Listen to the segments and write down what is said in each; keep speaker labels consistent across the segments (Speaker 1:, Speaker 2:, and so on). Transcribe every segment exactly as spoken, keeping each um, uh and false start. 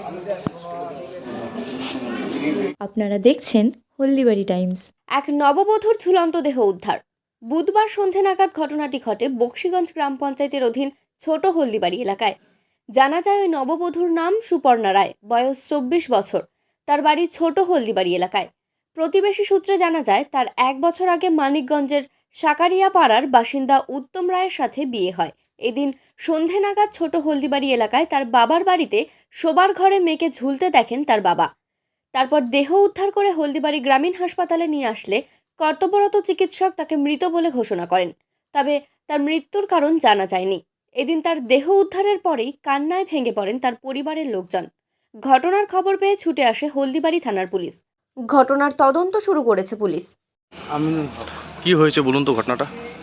Speaker 1: আপনারা দেখছেন হলদিবাড়ি টাইমস।
Speaker 2: এক নববধূর ঝুলন্ত দেহ উদ্ধার। বুধবার সন্ধে নাগাদ ঘটনাটি ঘটে বক্সিগঞ্জ গ্রাম পঞ্চায়েতের অধীন ছোট হলদিবাড়ি এলাকায়। জানা যায় ওই নববধূর নাম সুপর্ণা রায়, বয়স চব্বিশ বছর। তার বাড়ি ছোট হলদিবাড়ি এলাকায়। প্রতিবেশী সূত্রে জানা যায় তার এক বছর আগে মানিকগঞ্জের সাকারিয়া পাড়ার বাসিন্দা উত্তম রায়ের সাথে বিয়ে হয়। এদিন সন্ধে নাগাদ ছোট হলদিবাড়ি এলাকায় তার বাবার বাড়িতে শোবার ঘরে মেয়েকে ঝুলতে দেখেন তার বাবা। তারপর দেহ উদ্ধার করে হলদিবাড়ি গ্রামীণ হাসপাতালে নিয়ে আসলে কর্তব্যরত চিকিৎসক তাকে মৃত বলে ঘোষণা করেন। তবে তার মৃত্যুর কারণ জানা যায়নি। এদিন তার দেহ উদ্ধারের পরেই কান্নায় ভেঙে পড়েন তার পরিবারের লোকজন। ঘটনার খবর পেয়ে ছুটে আসে হলদিবাড়ি থানার পুলিশ। ঘটনার তদন্ত শুরু করেছে পুলিশ।
Speaker 3: আমি
Speaker 4: কি হয়েছে বলুন তো ঘটনাটা?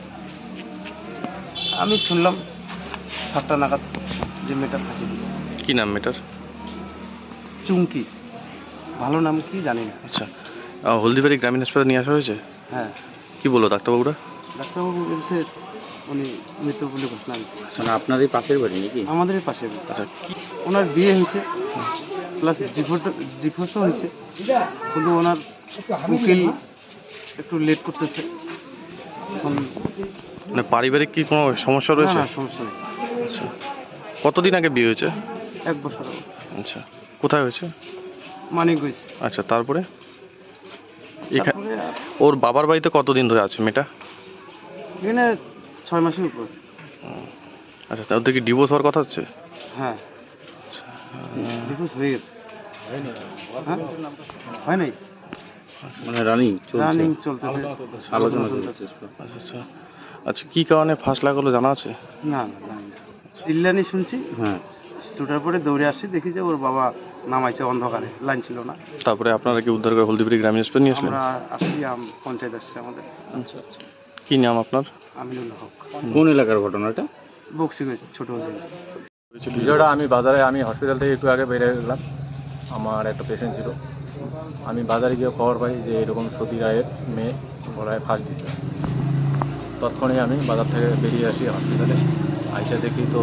Speaker 3: আমি শুনলাম সাতটা নাগাদ যে মেয়েটা ফাঁসি দিয়েছে।
Speaker 4: কি নাম মেয়েটার?
Speaker 3: চুমকি, ভালো নাম কি জানি না।
Speaker 4: আচ্ছা, আহ, হলদিবাড়ি গ্রামীণ হাসপাতালে নিয়ে আসা হয়েছে।
Speaker 3: হ্যাঁ,
Speaker 4: কি বললো ডাক্তারবাবুরা?
Speaker 3: ডাক্তারবাবু বলছে উনি মৃত বলে ঘোষণা দিয়েছে।
Speaker 5: মানে আপনাদের পাশের বাড়ি নাকি?
Speaker 3: আমাদের পাশে।
Speaker 4: আচ্ছা,
Speaker 3: ওনার বিয়ে হয়েছে, প্লাস ডিভোর্স ডিভোর্সও হয়েছে, কিন্তু ওনার উকিল একটু লেট করতেছে। এখন
Speaker 4: মানে পারিবারিক কি কোনো সমস্যা
Speaker 3: না
Speaker 4: রয়েছে?
Speaker 3: না, সমস্যা নেই।
Speaker 4: আচ্ছা, কতদিন আগে বিয়ে হয়েছে?
Speaker 3: এক বছর আগে।
Speaker 4: আচ্ছা, কোথায় হয়েছে?
Speaker 3: মানিকগঞ্জ।
Speaker 4: আচ্ছা, তারপরে এখা-
Speaker 3: তারপরে আর
Speaker 4: ওর বাবার বাড়িতে কতদিন ধরে আছে মেয়েটা?
Speaker 3: এখানে ছয় মাসের উপর।
Speaker 4: আচ্ছা, তাদের কি ডিভোর্স হওয়ার কথা হচ্ছে?
Speaker 3: হ্যাঁ, ডিভোর্স হয়ে গেছে। হ্যাঁ, হয় নাই,
Speaker 5: মানে রানিং
Speaker 3: রানিং চলতেছে,
Speaker 5: আলোচনা
Speaker 3: চলতেছে।
Speaker 4: আচ্ছা আচ্ছা আচ্ছা, কি কারণে ফাঁস লাগলো জানা আছে?
Speaker 3: না না, জানি না। চিল্লানি শুনছি,
Speaker 5: হ্যাঁ।
Speaker 3: ছুটার পরে দৌড়ে আসি, দেখি যে ওর বাবা নামাইছে অন্ধকারে, লাইন ছিল না।
Speaker 4: তারপরে আপনারা কি উদ্ধার করে হলদিবাড়ি গ্রামীণ হাসপাতালে নিয়ে আসলেন?
Speaker 3: আমরা আসছি, আম- পঞ্চায়েত আসছে আমাদের।
Speaker 4: আচ্ছা আচ্ছা, কি নাম আপনার?
Speaker 3: আমিনুল হক,
Speaker 5: কোন এলাকার ঘটনাটা?
Speaker 3: বক্সিগঞ্জ ছোট হলে।
Speaker 6: বিষয়টা আমি বাজারে আমি হসপিটাল থেকে একটু আগে বেরিয়ে গেলাম। আমার একটা পেশেন্ট ছিল। আমি বাজারে গিয়ে খবর পাই যে এরকম সতী রায়ের মেয়ে গলায় ফাঁস দিচ্ছে। তৎক্ষণে আমি বাজার থেকে বেরিয়ে আসি হসপিটালে। আইসা দেখি তো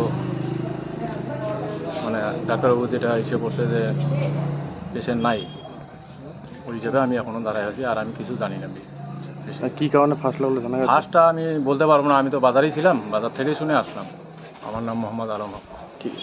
Speaker 6: মানে ডাক্তারবাবু যেটা এসে বলছে যে পেশেন্ট নাই, ওই হিসেবে আমি এখনও দাঁড়ায় আছি, আর আমি কিছু জানি না।
Speaker 4: আর কি কারণে ফাঁস লাগলো জানা গেছে?
Speaker 6: ফাঁসটা আমি বলতে পারবো না, আমি তো বাজারেই ছিলাম, বাজার থেকেই শুনে আসলাম। আমার নাম মোহাম্মদ আলম হক।